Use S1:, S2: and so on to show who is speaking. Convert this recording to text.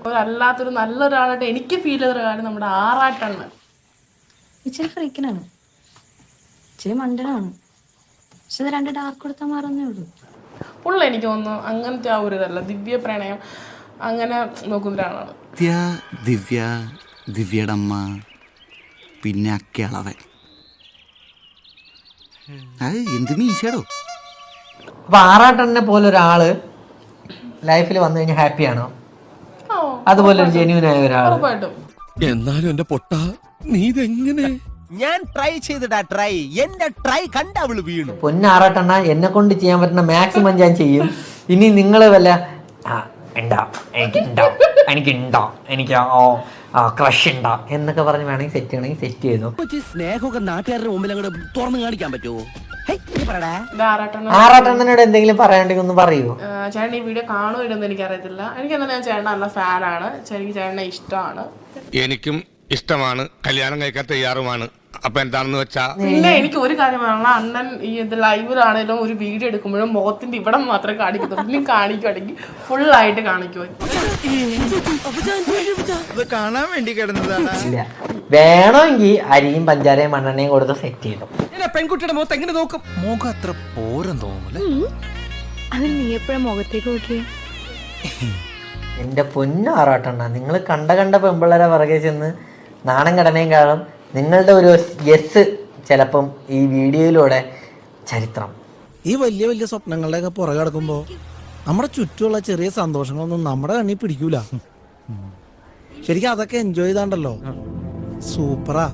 S1: അല്ലാത്തൊരു നല്ലൊരാളായിട്ട് എനിക്ക് ഫീൽ ചെയ്തൊരു കാര്യം നമ്മുടെ ആറാട്ടാണ്.
S2: ഇച്ചിരി ഫ്രീക്കനാണ്, ഇച്ചിരി മണ്ടനാണ്, പക്ഷെ ഇത് 2 ഡാർക്ക് കൊടുത്താൽ മാറുന്നേ ഉള്ളൂ.
S1: പുള്ള എനിക്ക് തോന്നുന്നു അങ്ങനത്തെ ആ ഒരു ഇതല്ല, ദിവ്യ പ്രണയം അങ്ങനെ നോക്കുന്ന ഒരാളാണ്.
S3: ദിവ്യയുടെ അമ്മ, പിന്നെ അക്കയളവൻ. അത് എന്ത് മീശടോ.
S4: അപ്പൊ ആറാട്ടണ്ണനെ പോലെ ഒരാള് ലൈഫിൽ വന്നു കഴിഞ്ഞാൽ ഹാപ്പിയാണോ? അതുപോലെ ഒരു ജെന്യൂൻ ആയ ഒരാൾ.
S5: എന്നാലും എന്റെ പൊട്ട നീ ഇതെങ്ങനെ?
S6: ഞാൻ ട്രൈ ചെയ്തിടാ, എന്റെ ട്രൈ കണ്ട അവള് വീണു.
S4: പൊന്നാറാട്ടണ്ണ, എന്നെ കൊണ്ട് ചെയ്യാൻ പറ്റുന്ന മാക്സിമം ഞാൻ ചെയ്യും. ഇനി നിങ്ങൾ വല്ല എനിക്ക് ക്രഷ് ഉണ്ടാ എന്നൊക്കെ പറഞ്ഞ് വേണമെങ്കിൽ സെറ്റ് ചെയ്യണമെങ്കിൽ സെറ്റ് ചെയ്തു.
S6: സ്നേഹമൊക്കെ നാട്ടുകാരുടെ മുമ്പിൽ അങ്ങോട്ട് തുറന്നു കാണിക്കാൻ പറ്റുമോ?
S4: ആറാട്ടണ്ണനോട് എന്തെങ്കിലും പറയാണ്ടെങ്കിൽ ഒന്ന് പറയൂ.
S1: ചേട്ടൻ ഈ വീഡിയോ കാണുമോ എനിക്കറിയത്തില്ല. എനിക്ക് എന്താ, ഞാൻ ചേട്ടൻ നല്ല ഫാനാണ്, എനിക്ക് ചേട്ടനെ ഇഷ്ടമാണ്.
S5: എനിക്കും ഇഷ്ടമാണ്, കല്യാണം കഴിക്കാൻ തയ്യാറുമാണ്. അപ്പൊ എന്താണെന്ന് വെച്ചാ
S1: പിന്നെ എനിക്ക് ഒരു കാര്യം പറയണം, അണ്ണൻ ഈ ഇത് ലൈവിലാണെങ്കിലും ഒരു വീഡിയോ എടുക്കുമ്പോഴും മുഖത്തിന്റെ ഇവിടെ മാത്രമേ കാണിക്കത്തുള്ളൂ. ഇനി കാണിക്കുവാണെങ്കിൽ ഫുള്ളായിട്ട് കാണിക്കുമോ?
S6: കാണാൻ വേണ്ടി കിടന്നതാണ്.
S4: ഇല്ല, വേണമെങ്കിൽ അരിയും പഞ്ചാരയും മണ്ണെണ്ണയും കൊടുത്ത് സെറ്റ് ചെയ്തു.
S6: പെൺകുട്ടിയുടെ മുഖത്ത് എങ്ങനെ നോക്കും?
S3: മുഖം അത്ര പോരം തോന്നൂല.
S2: അതിന് നീ എപ്പോഴും മുഖത്തേക്ക് നോക്കിയേ?
S4: എൻ്റെ പൊന്നാറാട്ടണ്ണ, നിങ്ങൾ കണ്ട പെമ്പിള്ളേരെ പുറകെ ചെന്ന് നാണം കടനയും കാണും. നിങ്ങളുടെ ഒരു യെസ് ചിലപ്പം ഈ വീഡിയോയിലൂടെ ചരിത്രം.
S7: ഈ വലിയ വലിയ സ്വപ്നങ്ങളുടെയൊക്കെ പുറകെ കിടക്കുമ്പോൾ നമ്മുടെ ചുറ്റുമുള്ള ചെറിയ സന്തോഷങ്ങളൊന്നും നമ്മുടെ കണ്ണിൽ പിടിക്കൂല. ശരിക്കും അതൊക്കെ എൻജോയ് ചെയ്താണ്ടല്ലോ സൂപ്പറാ.